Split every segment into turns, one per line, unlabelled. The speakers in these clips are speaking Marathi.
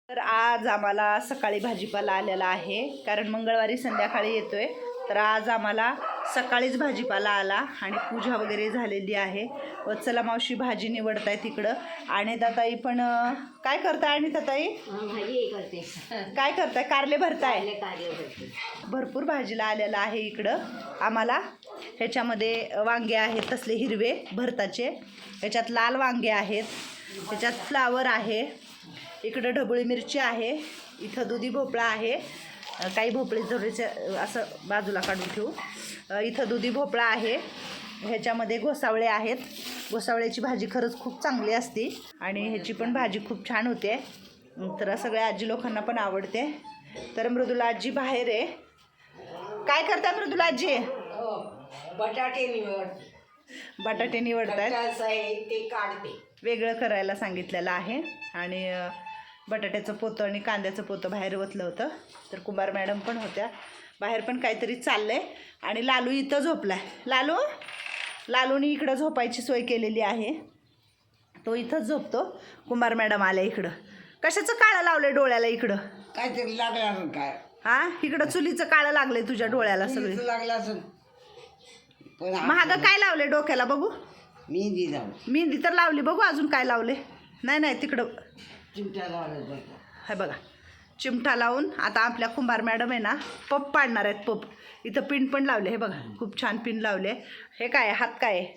तर आज आम्हाला सकाळी भाजीपाला आलेला आहे, कारण मंगळवारी संध्याकाळी येतोय. तर आज आम्हाला सकाळीच भाजीपाला आला आणि पूजा वगैरे झालेली आहे. वत्सला मावशी भाजी निवडताय तिकडं. आणि ताताई पण काय करताय? आणि ताताई
भाजी करते.
काय करताय? कारले भरताय.
कारले भरते.
भरपूर भाजीला आलेला आहे इकडं आम्हाला. ह्याच्यामध्ये वांगे आहेत तसले हिरवे भरताचे, ह्याच्यात लाल वांगे आहेत, ह्याच्यात फ्लावर आहे, इकडं ढबळी मिरची आहे, इथं दुधी भोपळा आहे, काही भोपळे जोडीचे असं बाजूला काढून ठेवू. इथं दुधी भोपळा आहे, ह्याच्यामध्ये घोसावळे आहेत. घोसावळ्याची भाजी खरंच खूप चांगली असते आणि ह्याची पण भाजी खूप छान होते. तर सगळ्या आजी लोकांना पण आवडते. तर मृदुला आजी बाहेर आहे. काय करताय मृदुला आजी?
बटाटे निवड.
बटाटे निवडतायत.
ते काढते.
वेगळं करायला सांगितलेलं आहे. आणि बटाट्याचं पोतं आणि कांद्याचं पोतं बाहेर ओतलं होतं. तर कुंभार मॅडम पण होत्या बाहेर. पण काहीतरी चाललंय. आणि लालू इथं झोपलाय. लालूनी इकडं झोपायची सोय केलेली आहे, तो इथंच झोपतो. कुंभार मॅडम आल्या इकडं. कशाचं काळं लावलंय डोळ्याला इकडं?
काहीतरी लागलं असेल काय?
हा, इकडं चुलीचं काळं लागलंय तुझ्या डोळ्याला सगळे.
लागलं असेल.
महाग काय लावले डोक्याला बघू?
मेहंदी लावली.
मेहंदी तर लावली, बघू अजून काय लावले. नाही तिकडं
चिमट्या लावल्या.
हे बघा, चिमटा लावून आता आपल्या कुंभार मॅडम आहे ना पप पाडणार आहेत. पप इथं पिन पण लावले. हे बघा, खूप छान पिन लावले. हे काय हात काय आहे?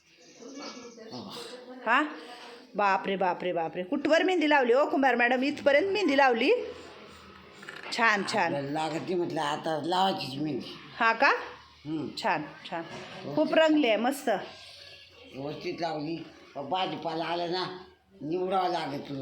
हा, बापरे बापरे बापरे, कुठवर मेहंदी लावली हो कुंभार मॅडम? इथपर्यंत मेहंदी लावली. छान छान
लागते म्हटलं आता लावायचीच मेहंदी.
हा का? छान छान, खूप रंगली आहे, मस्त
व्यवस्थित लावली. भाजीपाला आलं ना निवडावं लागत.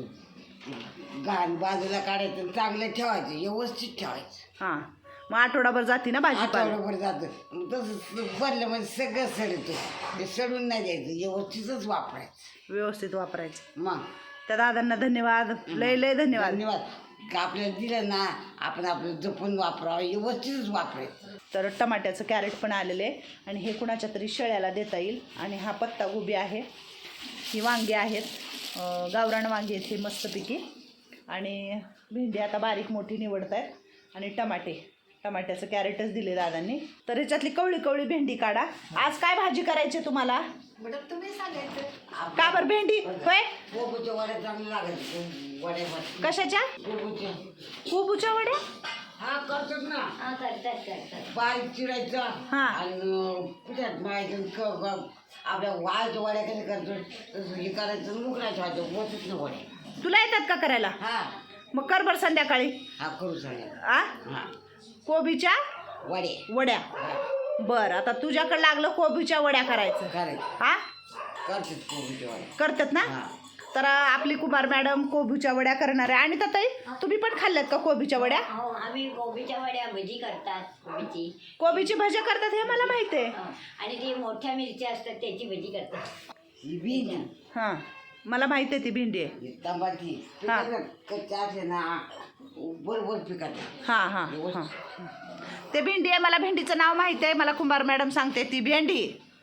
घाण बाजूला काढायचं, चांगलं ठेवायचं, व्यवस्थित ठेवायचं.
हां, मग आठवडाभर जाते ना भाजीपाला.
आठवड्याभर जातं. तसं भरलं म्हणजे सगळं सडतं. ते सडून नाही द्यायचं, व्यवस्थितच वापरायचं.
व्यवस्थित वापरायचं.
मग
त्या दादांना धन्यवाद, लय लय धन्यवाद.
धन्यवाद. का आपल्याला दिलं ना, आपण आपलं जपून वापरावं, व्यवस्थितच वापरायचं.
तर टमाट्याचं कॅरेट पण आलेलं आहे आणि हे कुणाच्या तरी शेळ्याला देता येईल. आणि हा पत्ता गोबी आहे, ही वांगी आहेत, गावरान वांगी आहेत हे मस्तपैकी. आणि भेंडी आता बारीक मोठी निवडत आहेत. आणि टमाट्याचं कॅरेटच दिले दादांनी. तर ह्याच्यातली कवळी कवळी भेंडी काढा. आज काय भाजी करायची तुम्हाला?
तुम्ही सांगायचं.
का बरं भेंडी? होय,
कोबूच्या वड्या चांगल्या लागत. वड्या
कशाच्या?
कोबूच्या.
कोबूच्या वड्या?
हा करतात ना.
करतात.
बारीक चिरायचा आणि पिठात मळायचं. आपल्या वाळच्या वड्या कशा करतो तसं हे करायचं, मुकरायचं व्हायचं, होतच ना वड्या.
तुला येतात का करायला?
हा,
मग कर बरं संध्याकाळी.
हा करू सांगा. हा,
कोबीच्या वड्या. बरं, आता तुझ्याकडे लागलं कोबीच्या वड्या करायचं. हा,
करतात कोबूच्या वड्या.
करतात ना. तर आपली कुंभार मॅडम कोबीच्या वड्या करणार आहे. आणि ताई तुम्ही पण खाल्ल्यात का कोबीच्या वड्या?
हो, आम्ही कोबीच्या वड्या भजी करतात.
कोबीची भजी करतात हे मला माहिती आहे.
आणि ती मोठ्या मिरच्या असतात त्याची भजी करतात.
ही भेंडी.
हां, मला माहिती आहे ती भेंडी आहे.
ही तंबाखी कच्च्या असते ना, बरोबर पिकात.
हां, ते भेंडी आहे. मला भेंडीचं नाव माहिती आहे. मला कुंभार मॅडम सांगते ती भेंडी.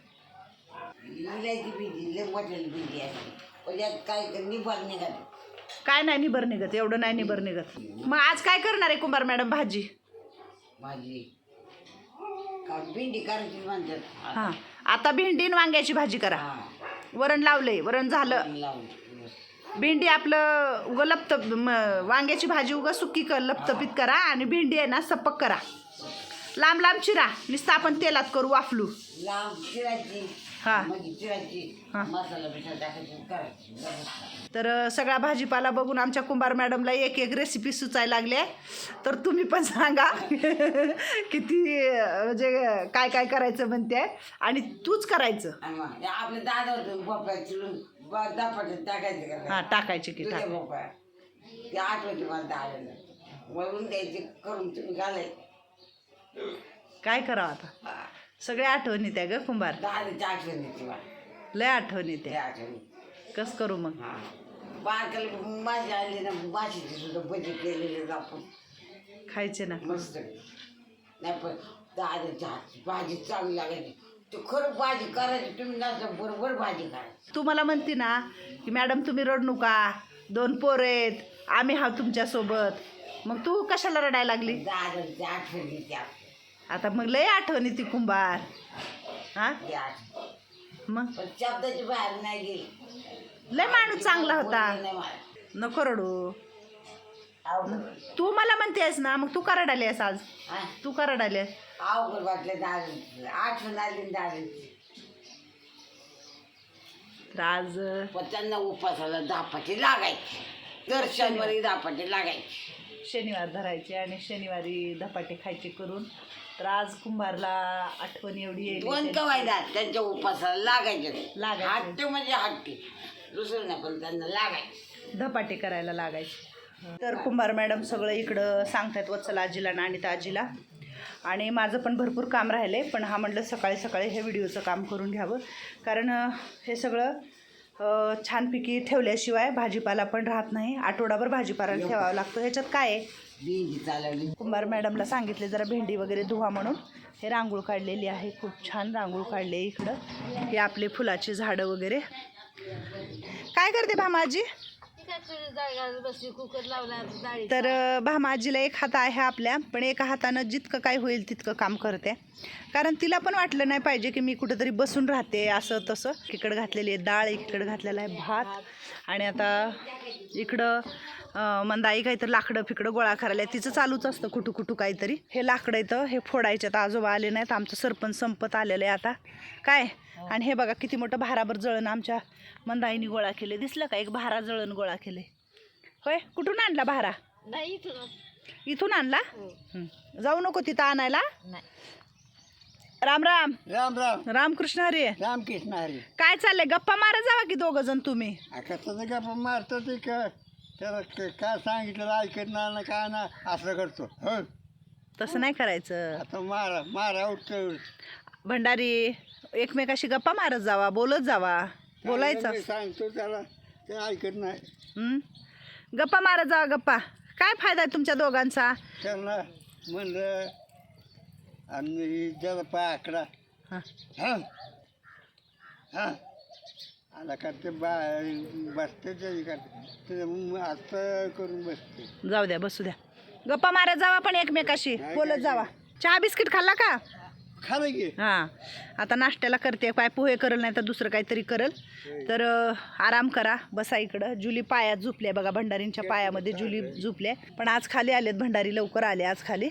इलायची भेंडी, लय मोठ्याली भेंडी असते. काय निभार निघाली.
काय नाही निबर निघत, एवढं नाही निबर निघत. मग आज काय करणार आहे कुंभार मॅडम भाजी?
भाजी का भेंडी करायची म्हणतात.
हां, आता भेंडी आणि वांग्याची भाजी करा. वरण लावलंय, वरण झालं. भेंडी आपलं उगं लपतप, वांग्याची भाजी उगं सुकी कर, लपतपीत करा. आणि भेंडी आहे ना सपक करा, लांब लांब चिरा, नुसतं आपण तेलात करू वाफलू.
लांब चिरायची.
हां,
चिरायची, मसाला बिसा टाकायची, करायची.
तर सगळा भाजीपाला बघून आमच्या कुंभार मॅडमला एक एक रेसिपी सुचायला लागली आहे. तर तुम्ही पण सांगा किती म्हणजे काय काय करायचं म्हणते. आणि तूच करायचं.
आपल्या दादा भोपळा चिरून दापाट्यात टाकायचं.
हां, टाकायचे की टाक.
भोपळा ते आठवते मला दादाला वळून द्यायचे, करून तुम्ही घालायचं.
काय करावं आता, सगळ्या आठवणी त्या ग कुंभार.
दादाच्या आठवणी किंवा
लय आठवणी त्या.
आठवणी
कस करू मग?
बारकाला माशी आली ना, माशीची सुद्धा भजी केलेले आपण
खायचे ना
मस्त. नाही पण दादाच्या हातची भाजी चांगली लागायची. ते खरं भाजी करायची, तुम्ही नसतं बरोबर भाजी करायची.
तू मला म्हणते ना की मॅडम तुम्ही रडू नका, 2 पोरं आहेत, आम्ही हा तुमच्यासोबत. मग तू कशाला रडायला लागली?
दादाची आठवण येते
आता मग लय आठवणी ती कुंभार. हा मग
पण शब्दाची बाहेर नाही गेली.
लय माणूस चांगला होता.
बोलली नाही मला.
नको रडू.
अवघड
तू मला म्हणतेस ना, मग तू का रडालीस आज?
हा?
तू का रडालीस?
अवघड वाटलं दादाची आठवण आली दादाची.
तर आज
पण त्यांना उपासाला दापाटी लागायची. दर शनिवारी दापाटी लागायची.
शनिवार धरायचे आणि शनिवारी धपाटे खायचे करून. तर आज कुंभारला आठवण एवढी येईल.
दोन कवायदा त्यांच्या उपासाला लागायचे.
लागायचे.
हट्टी म्हणजे हट्टी, दुसरं नाही, पण त्यांना लागायचे.
धपाटे करायला लागायचे. तर कुंभार मॅडम सगळं इकडं सांगतात वत्सल आजीला आणि अनिता आजीला. आणि माझं पण भरपूर काम राहिले, पण हा म्हटलं सकाळी सकाळी हे व्हिडिओचं काम करून घ्यावं. कारण हे सगळं छानपैकी ठेवल्याशिवाय भाजीपाला पण राहत नाही. आठवडाभर भाजीपाला ठेवावा लागतो. ह्याच्यात काय आहे?
भेंडी चालवली.
कुंभार मॅडमला सांगितले जरा भेंडी वगैरे धुवा म्हणून. हे रांगोळ काढलेली आहे, खूप छान रांगोळ काढले इकडं. हे आपले फुलाची झाडं वगैरे. काय करते भामाजी?
कुकर लावला डाळी.
तर भामाजीला एक हात आहे आपल्या, पण एका हातानं जितकं काय होईल तितकं काम करते. कारण तिला पण वाटलं नाही पाहिजे की मी कुठंतरी बसून राहते असं तसं. इकडं घातलेली आहे डाळ, इकडं घातलेला आहे भात. आणि आता इकडं मंदाई काहीतरी लाकडं फिकडं गोळा करायला तिचं चालूच असतं कुठू कुठू काहीतरी. हे लाकडं इथं हे फोडायचे. तर आजोबा आले नाहीत, आमचं सरपंच संपत आलेलं आहे आता काय. आणि हे बघा किती मोठं भाराभर जळण आमच्या मंदाईनी गोळा केले. दिसलं का? एक भारा जळण गोळा केले. होय, कुठून आणला भारा?
नाही
इथून आणला. जाऊ नको तिथं आणायला. राम राम.
राम राम.
रामकृष्ण हरी.
रामकृष्ण हरी.
काय चाललंय? गप्पा मारा जावा की दोघ जण तुम्ही.
कसं गप्पा मारतो ते त्याला काय सांगितलं ऐकत ना काय ना असं करतो. हो
तसं नाही करायचं.
आता मारा उठतो.
भंडारी एकमेकाशी गप्पा मारत जावा, बोलत जावा. बोलायचं
सांगतो त्याला, ते ऐकत नाही.
गप्पा मारत जावा. गप्पा काय फायदा आहे तुमच्या दोघांचा?
त्यांना म्हणलं आणि ज्याला पाय आकडा
हां
हां हां आला का ते बसते ते आता करून बसते.
जाऊ द्या, बसू द्या. गप्पा मारत जावा पण एकमेकाशी बोलत जावा. चहा बिस्किट खाल्ला का?
खालं की.
हां, आता नाश्त्याला करते. काय पोहे करल नाही तर दुसरं काहीतरी करल. तर आराम करा, बसा इकडं. जुली पायात झोपल्या बघा, भंडारींच्या पायामध्ये जुली झोपल्या. पण आज खाली आलेत भंडारी, लवकर आले आज खाली.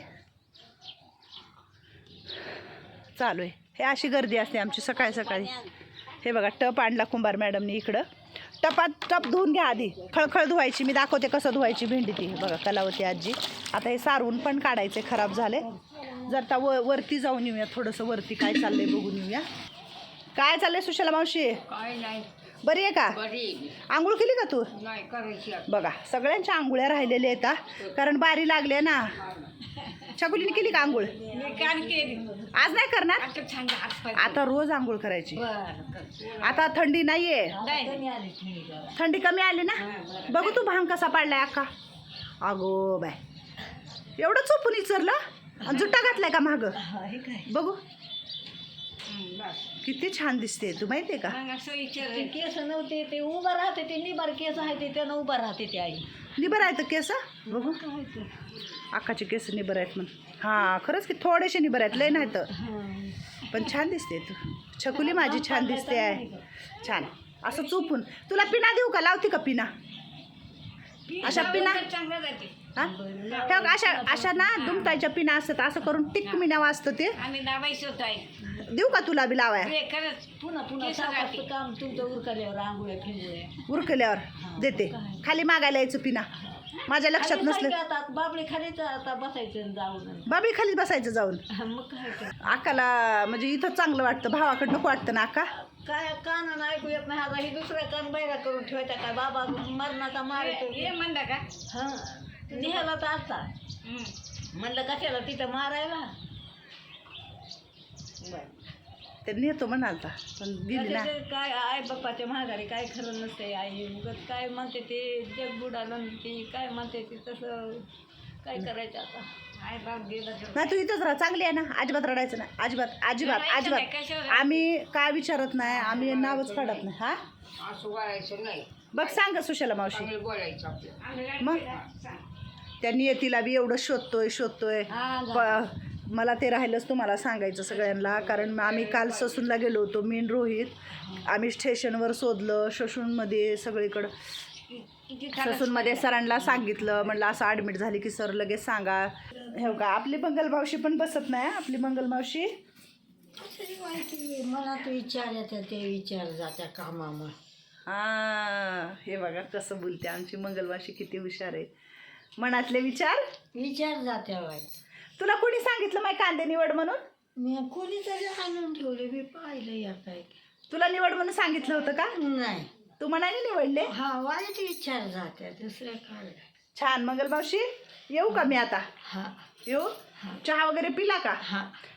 चालू आहे हे अशी गर्दी असते आमची सकाळी सकाळी. हे बघा टप आणला कुंभार मॅडमनी इकडं. टप धुवून घ्या आधी, खळखळ धुवायची. मी दाखवते कसं धुवायची भेंडी ती. बघा कलावती आजी. आता हे सारवून पण काढायचे, खराब झाले. जर वरती जाऊन येऊया, थोडंसं वरती काय चाललंय बघून येऊया. काय चाललंय सुशला मावशी?
काय नाही.
बरी आहे का?
बरी
आंघोळ केली का तू?
नाही करायची.
बघा सगळ्यांच्या आंघोळ्या राहिलेल्या आहेत हा. कारण बारी लागले ना. छकुलीने केली का आंघोळ?
मी कान केली.
आज नाही करणार.
आता छान हात
आता रोज आंघोळ करायची.
बरं.
आता थंडी नाहीये,
नाही.
थंडी कमी आली ना. बघू तू भांग कसा पाडलाय अक्का. अगो बाय, एवढं चोपून इचरलं आणि जुट्टा घातलाय का माग? बघू किती छान दिसते. तू माहितीये का?
केस नव्हते ते उभं राहते, ते निबार केस आहे ते त्यानं उभं राहते ते आई.
निबर आहेत केस. बघू अक्काचे केस निबर आहेत म्हण. हां खरंच की थोडेसे निबर आहेत, लय नाही तर. पण छान दिसते तू. छकुली माझी छान दिसते आहे. छान असं चोपून. तुला पिना देऊ का? लावते का पिना? अशा पिना हां हे अशा अशा ना दुमतायच्या पिना असतात. असं करून टिक मिना वाजतं ते.
आम्ही दाबायचं होत आहे.
देऊ का तुला बी लावाय?
खरंच पुन्हा सावकाशचं काम तुमचं उरकल्यावर आंघोळ्या फिंगोळ्या
उरकल्यावर देते. खाली मागायला यायचं पिना. माझ्या लक्षात नसलं.
आता बाबळी खालीच आता बसायचं जाऊन.
बाबी खालीच बसायचं जाऊन.
मग काय
अक्काला म्हणजे इथं चांगलं वाटतं, भावाकडं नको वाटतं ना अक्का?
काय कानानं ऐकू येत नाही. आता ही दुसऱ्या कान बैरा करून ठेवायचा काय? बाबा मरणाचा मारतो म्हणला का? हां निघाला तर आता म्हणलं कशाला तिथं मारायला.
ते नेतो म्हणालता पण गेली ना.
काय आई बाप्पाच्या महागारी काय खरं नसते. आई उगत काय म्हणते ते जग बुडालं ती काय म्हणते ते तसं काय करायचं आता. आई बाप गेला
नाही तू इथंच राहा, चांगली आहे ना. अजिबात रडायचं नाही. अजिबात अजिबात अजिबात. आम्ही काय विचारत नाही, आम्ही नावच काढत नाही. हा
असं वाढायचं नाही.
बघ सांग सुशला मावशी. मग त्या नियतीला बी एवढं शोधतोय. मला ते राहिलंच तुम्हाला सांगायचं सगळ्यांना, कारण आम्ही काल ससूनला गेलो होतो, मी आणि रोहित. आम्ही स्टेशनवर शोधलं, ससूनमध्ये सगळीकडं. ससूनमध्ये सरांना सांगितलं, म्हणलं असं ॲडमिट झाली की सर लगेच सांगा. हे का आपली मंगल मावशी पण बसत नाही. आपली मंगल मावशी
माहिती मला तू विचार येते ते विचार जात्या कामामुळे.
हे बघा कसं बोलते आमची मंगल मावशी, किती हुशार आहे. मनातले विचार
जात्या बाई.
तुला कोणी सांगितलं माय कांदे निवड म्हणून?
मी कोणीतरी आणून ठेवले, मी पाहिलं या काय.
तुला निवड म्हणून सांगितलं होतं का?
नाही,
तू मनाने निवडले.
हा वाईट विचार जात्या, दुसऱ्या काय.
छान मंगल मावशी, येऊ का मी आता?
हा
येऊ. चहा वगैरे पिला का?
हा